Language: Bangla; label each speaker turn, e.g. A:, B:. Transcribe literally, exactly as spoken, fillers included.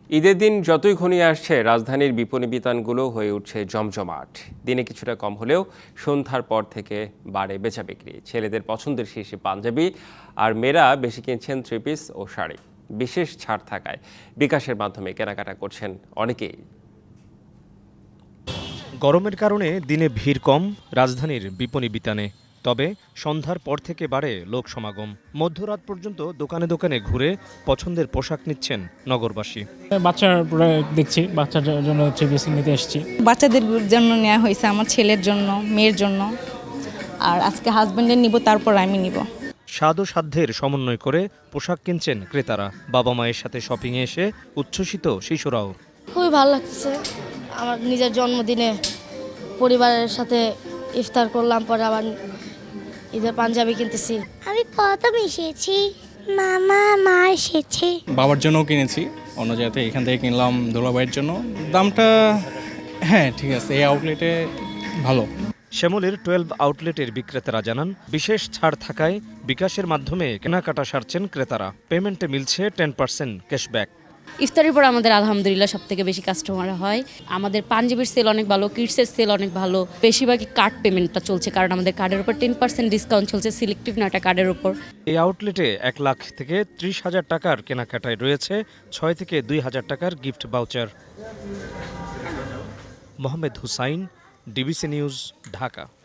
A: ঈদের দিন যতই ঘনিয়ে আসছে রাজধানীর বিপণী বিতানগুলো হয়ে উঠছে জমজমাট। দিনে কিছুটা কম হলেও সন্ধ্যার পর থেকে বাড়ে বেচাবিক্রি। ছেলেদের পছন্দের শীর্ষে পাঞ্জাবি, আর মেয়েরা বেশি কিনছেন থ্রি পিস ও শাড়ি। বিশেষ ছাড় থাকায় বিকাশের মাধ্যমে কেনাকাটা করছেন অনেকেই।
B: গরমের কারণে দিনে ভিড় কম রাজধানীর বিপণী বিতানে, তবে সন্ধ্যার পর থেকে বাড়ে লোক সমাগম। মধ্যরাত পর্যন্ত দোকানে দোকানে ঘুরে পছন্দের পোশাক নিচ্ছেন নগরবাসী।
C: বাচ্চার দেখছি, বাচ্চার জন্য থ্রি পিস নিতে এসেছি।
D: বাচ্চাদের জন্য নেওয়া হয়েছে, আমার ছেলের জন্য, মেয়ের জন্য, আর আজকে হাজবেন্ডের নিব, তারপর আমি নিব।
B: স্বাদ ও সাধ্যের সমন্বয় করে পোশাক কিনছেন ক্রেতারা। বাবা মায়ের সাথে শপিংয়ে এসে উচ্ছ্বসিত শিশুরাও।
E: খুবই ভালো লাগছে। আমার নিজের জন্মদিনে পরিবারের সাথে ইফতার করলাম, পরে আবার ঈদের পাঞ্জাবি কিনতেছি।
F: আমি প্রথম এসেছি, মামা মা এসেছে।
G: বাবার জন্যও কিনেছি অন্য জায়গাতে, এখান থেকে কিনলাম দুলাভাইয়ের জন্য। দামটা হ্যাঁ ঠিক আছে, এই আউটলেটে ভালো।
B: শ্যামলের টুয়েলভ আউটলেটের বিক্রেতারা জানান, বিশেষ ছাড় থাকায় বিকাশের মাধ্যমে কেনাকাটা সারছেন ক্রেতারা। পেমেন্টে মিলছে টেন পার্সেন্ট ক্যাশব্যাক।
H: ইফতারের পর আমাদের আলহামদুলিল্লাহ সব থেকে বেশি কাস্টমার হয়। আমাদের পাঞ্জাবির সেল অনেক ভালো, কিডসের সেল অনেক ভালো। বেশিরভাগই কার্ড পেমেন্টটা চলছে, কারণ আমাদের কার্ডের উপর টেন পার্সেন্ট ডিসকাউন্ট চলছে সিলেক্টিভ নয়টা কার্ডের উপর।
B: এই আউটলেটে এক লাখ থেকে ত্রিশ হাজার টাকার কেনাকাটায় রয়েছে ছয় থেকে দুই হাজার টাকার gift voucher. Mohammad Hussain, DBC news, Dhaka.